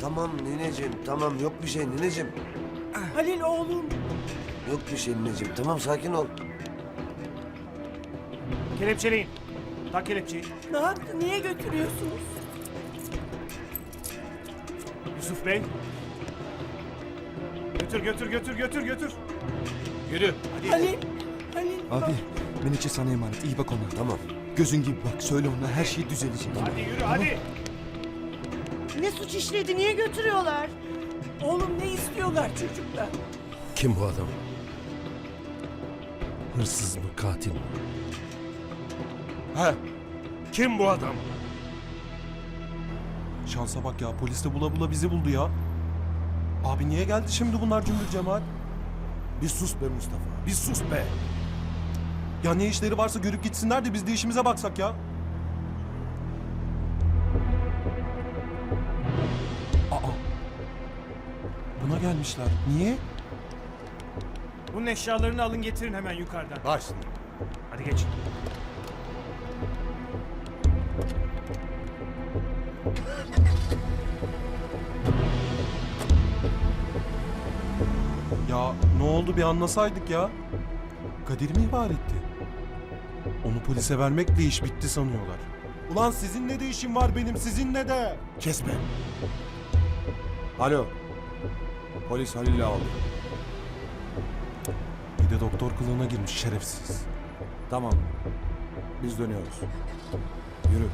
Tamam nineciğim, tamam yok bir şey nineciğim. Halil oğlum. Yok bir şey nineciğim, tamam sakin ol. Kelepçeleyin. Tak kelepçeyi. Ne yaptı? Niye götürüyorsunuz? Yusuf Bey. Götür. Yürü. Hadi. Halil. Abi bak. Menekşe sana emanet. İyi bak ona. Tamam. Gözün gibi bak. Söyle ona her şey düzelecek. Hadi yürü hadi. Ne suç işledi? Niye götürüyorlar? Oğlum ne istiyorlar çocuklar? Kim bu adam? Hırsız mı, katil mi? He. Kim bu adam? Şansa bak ya, polis de bula bula bizi buldu ya. Abi niye geldi şimdi bunlar cümbür cemaat? Bir sus be Mustafa, bir sus be. Ya ne işleri varsa görüp gitsinler de biz de işimize baksak ya. Aa. Buna gelmişler. Niye? Bunun eşyalarını alın getirin hemen yukarıdan. Başla. Hadi geç. Ya ne oldu bir anlasaydık ya. Kadir mi ihbar etti? Onu polise vermekle iş bitti sanıyorlar. Ulan sizinle de işim var benim, sizinle de. Kesme. Alo. Polis Halil'i aldı. Bir de doktor kılığına girmiş şerefsiz. Tamam. Biz dönüyoruz. Yürü.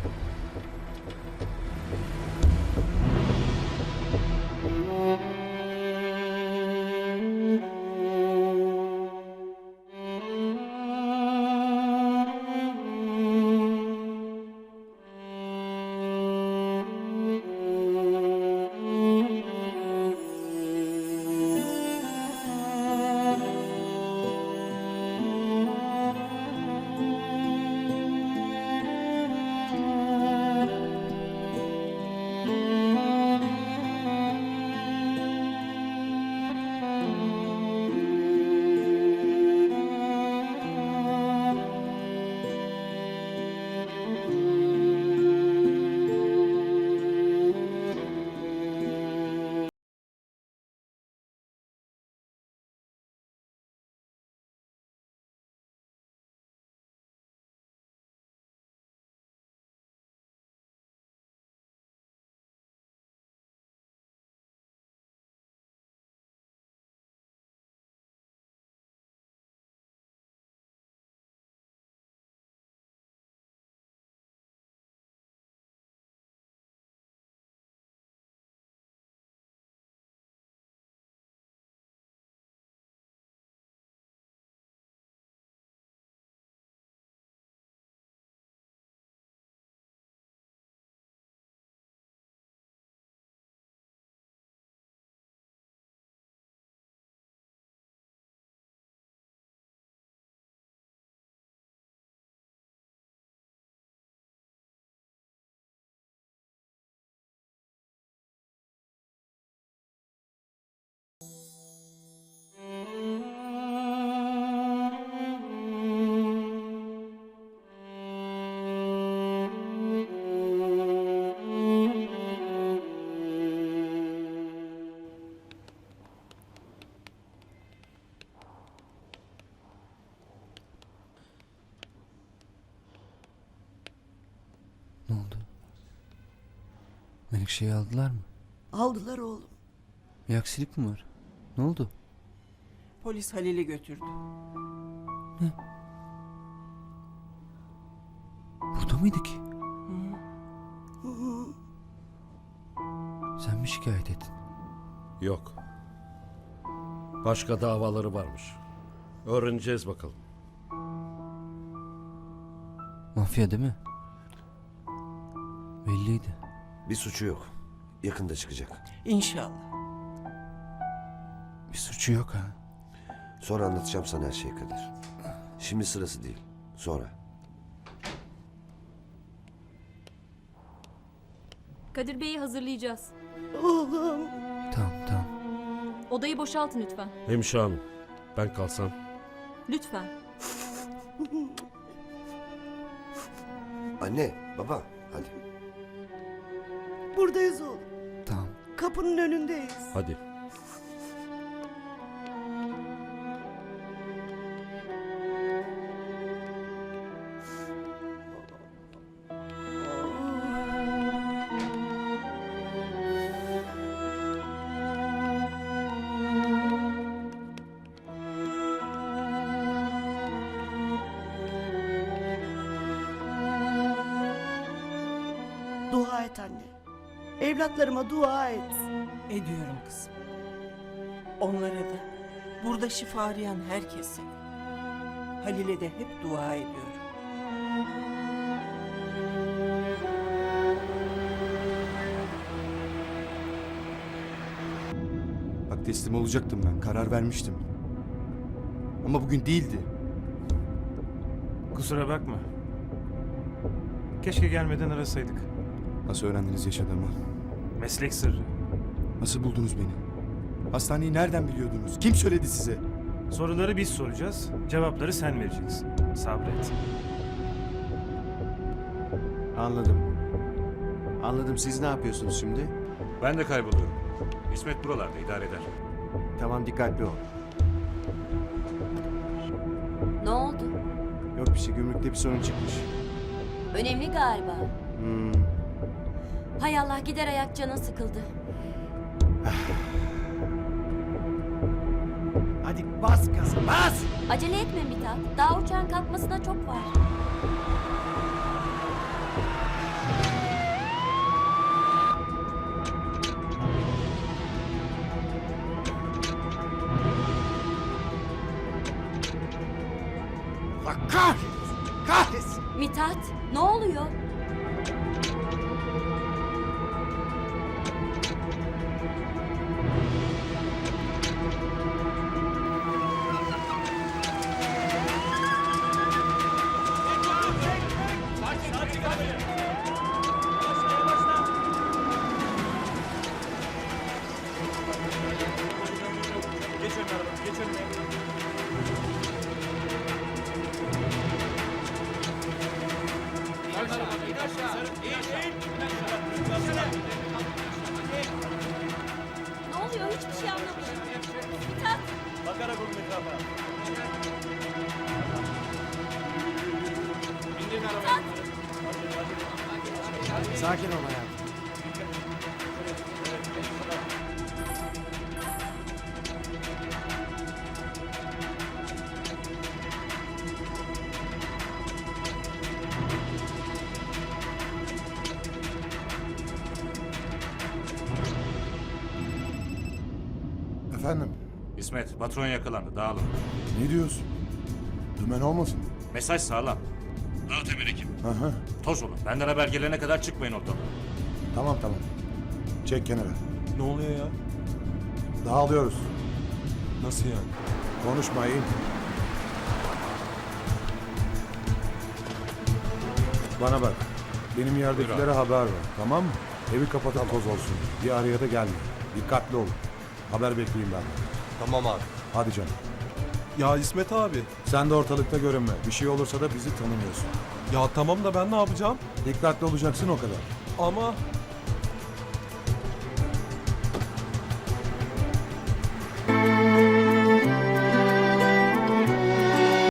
Ne oldu? Menekşe'yi aldılar mı? Aldılar oğlum. Bir aksilik mi var? Ne oldu? Polis Halil'i götürdü. Burada mıydı ki? Sen mi şikayet ettin? Yok. Başka davaları varmış. Öğreneceğiz bakalım. Mafya değil mi? Belliydi. Bir suçu yok. Yakında çıkacak. İnşallah. Bir suçu yok ha. Sonra anlatacağım sana her şeyi Kadir. Şimdi sırası değil. Sonra. Kadir Bey'i hazırlayacağız. Oğlum. Tamam. Odayı boşaltın lütfen. Hemşire hanım, ben kalsam. Lütfen. Anne, baba hadi. Buradayız oğlum. Tamam. kapının önündeyiz. Hadi. Dua et anne. Evlatlarıma dua et. Ediyorum kızım. Onlara da, burada şifa arayan herkese. Halil'e de hep dua ediyorum. Bak teslim olacaktım ben. Karar vermiştim. Ama bugün değildi. Kusura bakma. Keşke gelmeden arasaydık. Nasıl öğrendiniz yaşadığımı? Meslek sırrı. Nasıl buldunuz beni? Hastaneyi nereden biliyordunuz? Kim söyledi size? Soruları biz soracağız, cevapları sen vereceksin. Sabret. Anladım. Anladım. Siz ne yapıyorsunuz şimdi? Ben de kayboluyorum. İsmet buralarda idare eder. Tamam, dikkatli ol. Ne oldu? Yok bir şey, gümrükte bir sorun çıkmış. Önemli galiba. Hmm. Hay Allah, gider ayak canın sıkıldı. Hadi bas gaza bas. Acele etme Mithat. Daha uçağın kalkmasına çok var. Allah kahretsin. Kahretsin. Mithat, ne oluyor? Geç önüne araba, geç önüne. Ne oluyor? Hiçbir şey anlamadım. Mithat, Bakarak olun etrafa. Sakin ol hayatım. Efendim? İsmet, patron yakalandı. Dağılın. Ne diyorsun? Dümen olmasın? Mesaj sağlam. Dağıt emir ekip. Hı hı. Toz olun. Benden haber gelene kadar çıkmayın ortadan. Tamam tamam. Çek kenara. Ne oluyor ya? Dağılıyoruz. Nasıl yani? Konuşmayın. Bana bak. Benim yerdekilere haber ver. Tamam mı? Evi kapatan toz olsun. Bir araya da gelme. Dikkatli olun. Haber bekleyin benden. Tamam abi. Hadi canım. Ya İsmet abi. Sen de ortalıkta görünme. Bir şey olursa da bizi tanımıyorsun. Ya tamam da ben ne yapacağım? Dikkatli olacaksın o kadar. Ama